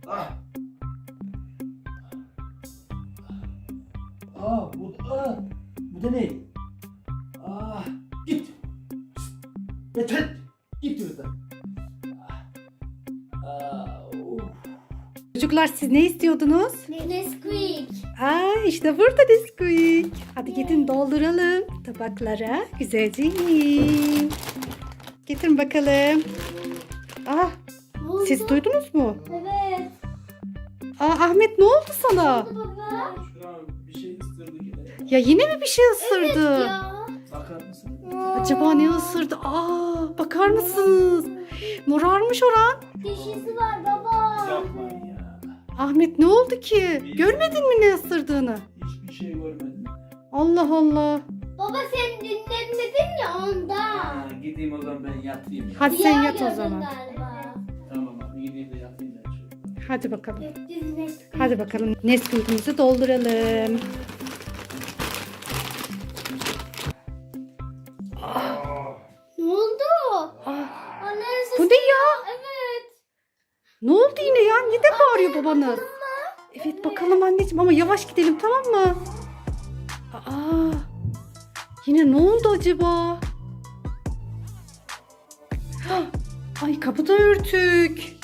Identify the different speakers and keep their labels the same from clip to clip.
Speaker 1: Ah. Bu da ne? Git. Yeter. Git buradan.
Speaker 2: Çocuklar siz ne istiyordunuz?
Speaker 3: Nesquik.
Speaker 2: İşte burada Nesquik. Hadi gidin dolduralım tabaklara. Güzelce yiyin. Getirin bakalım. Siz duydunuz mu?
Speaker 3: Evet.
Speaker 2: Ahmet ne oldu sana?
Speaker 3: Baba.
Speaker 1: Şuna bir şey ısırdı yine.
Speaker 2: Ya yine mi bir şey ısırdı?
Speaker 3: Ya.
Speaker 1: Bakar mısın?
Speaker 2: Acaba ne ısırdı? Bakar mısınız? Morarmış oran.
Speaker 3: Dişisi var baba.
Speaker 1: Yapmayın ya.
Speaker 2: Ahmet ne oldu ki? Görmedin mi ne ısırdığını?
Speaker 1: Hiçbir şey görmedim.
Speaker 2: Allah Allah.
Speaker 3: Baba sen dinlemedin ya ondan.
Speaker 1: Gideyim o zaman ben yatayım ya.
Speaker 2: Hadi sen
Speaker 3: Rüya
Speaker 2: yat o
Speaker 3: gördün
Speaker 2: zaman.
Speaker 3: galiba.
Speaker 1: Tamam abi gideyim de yatayım ben şöyle.
Speaker 2: Hadi bakalım.
Speaker 3: Göktüz Nesquik.
Speaker 2: Hadi bakalım Nesquik'imizi dolduralım.
Speaker 3: Ne oldu? Anne
Speaker 2: Bu ne ya?
Speaker 3: Evet.
Speaker 2: Ne oldu yine ya? Ne de bağırıyor babanız? Evet bakalım anneciğim ama yavaş gidelim tamam mı? Yine ne oldu acaba? Ay kapı da örtük.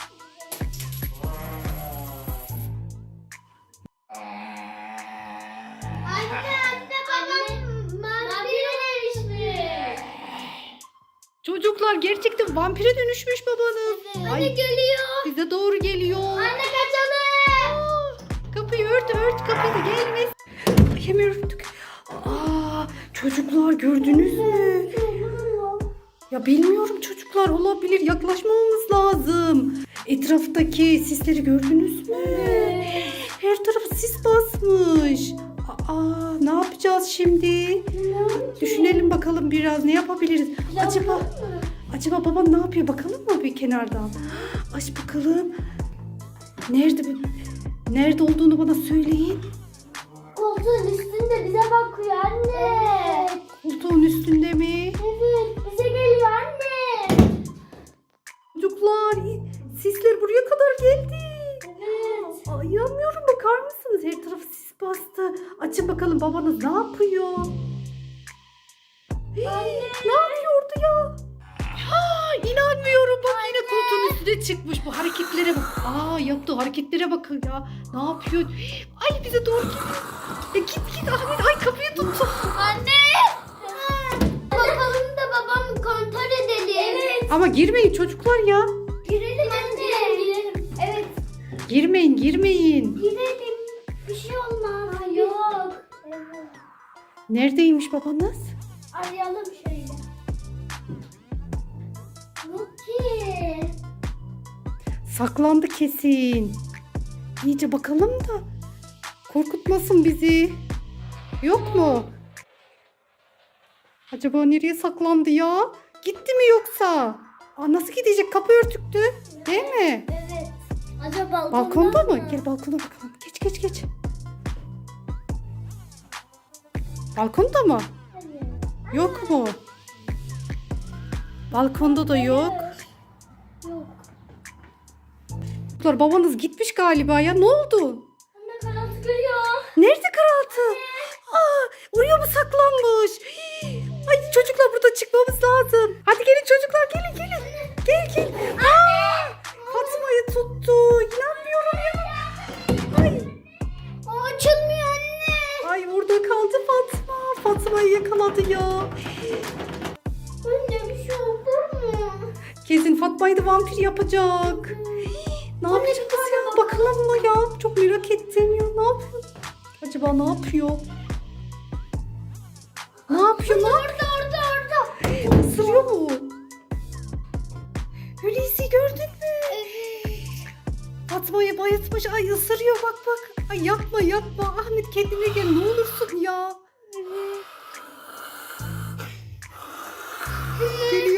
Speaker 3: Anne babam vampire dönüşmüş.
Speaker 2: Çocuklar gerçekten vampire dönüşmüş babanız.
Speaker 3: Anne geliyor.
Speaker 2: Bize doğru geliyor.
Speaker 3: Anne kaçalım.
Speaker 2: Kapıyı ört kapıyı da gelmesin. Ay, hemen örttük. Çocuklar gördünüz mü? Ya bilmiyorum çocuklar olabilir. Yaklaşmamamız lazım. Etraftaki sisleri gördünüz mü? Her tarafı sis basmış. Ne yapacağız şimdi? Düşünelim bakalım biraz ne yapabiliriz? Acaba babam ne yapıyor? Bakalım mı bir kenardan? Aç bakalım. Nerede olduğunu bana söyleyin.
Speaker 3: Koltuğun üstünde bize bakıyor anne.
Speaker 2: Koltuğun üstünde mi?
Speaker 3: Evet bize geliyor anne.
Speaker 2: Çocuklar sisler buraya kadar geldi.
Speaker 3: Evet.
Speaker 2: İnanmıyorum bakar mısınız? Her tarafı sis bastı. Açın bakalım babanız ne yapıyor? Ne yapıyordu ya? İnanmıyorum bak yine koltuğun üstüne çıkmış. Bu hareketlere bak. Yaptığı hareketlere bakın ya. Ne yapıyor? Ay bize doğru git. Git Ahmet. Ay kapıyı tuttu.
Speaker 3: Anne. Bakalım da babamı kontrol edelim. Evet.
Speaker 2: Ama girmeyin çocuklar ya.
Speaker 3: Girelim anne. Girelim. Evet.
Speaker 2: Girmeyin.
Speaker 3: Girelim. Bir şey olmaz. Yok. Evet.
Speaker 2: Neredeymiş babanız?
Speaker 3: Arayalım şöyle. Yok ki.
Speaker 2: Saklandı kesin. İyice bakalım da korkutmasın bizi. Yok mu? Acaba nereye saklandı ya? Gitti mi yoksa? Nasıl gidecek? Kapı örtüktü. Değil mi?
Speaker 3: Evet. Acaba
Speaker 2: Balkonda mı? Gel balkona bakalım. Geç. Balkonda mı?
Speaker 3: Hayır.
Speaker 2: Yok mu? Balkonda da yok.
Speaker 3: Yok.
Speaker 2: Çocuklar, babanız gitmiş galiba ya. Ne oldu?
Speaker 3: Anne karanlık geliyor.
Speaker 2: Nerede karaltı? Oraya mı saklanmış? Ay çocuklar burada çıkmamız lazım. Hadi gelin çocuklar gelin. Gel. Fatma'yı tuttu. İnanmıyorum ya. Ay.
Speaker 3: Açılmıyor anne.
Speaker 2: Ay orada kaldı Fatma. Fatma'yı yakaladı ya.
Speaker 3: Anne bir şey oldu mu?
Speaker 2: Kesin Fatma'yı da vampir yapacak. Ne yapacağız ya? Bakalım mı ya? Çok merak ettim ya. Ne yapıyor? Acaba ne yapıyor? Ne yapıyor?
Speaker 3: Orada.
Speaker 2: Isırıyor mu? Hulusi gördün mü? Fatma'yı bayıltmış. Ay ısırıyor bak. Ay yapma. Ahmet kendine gel ne olursun ya. Geliyor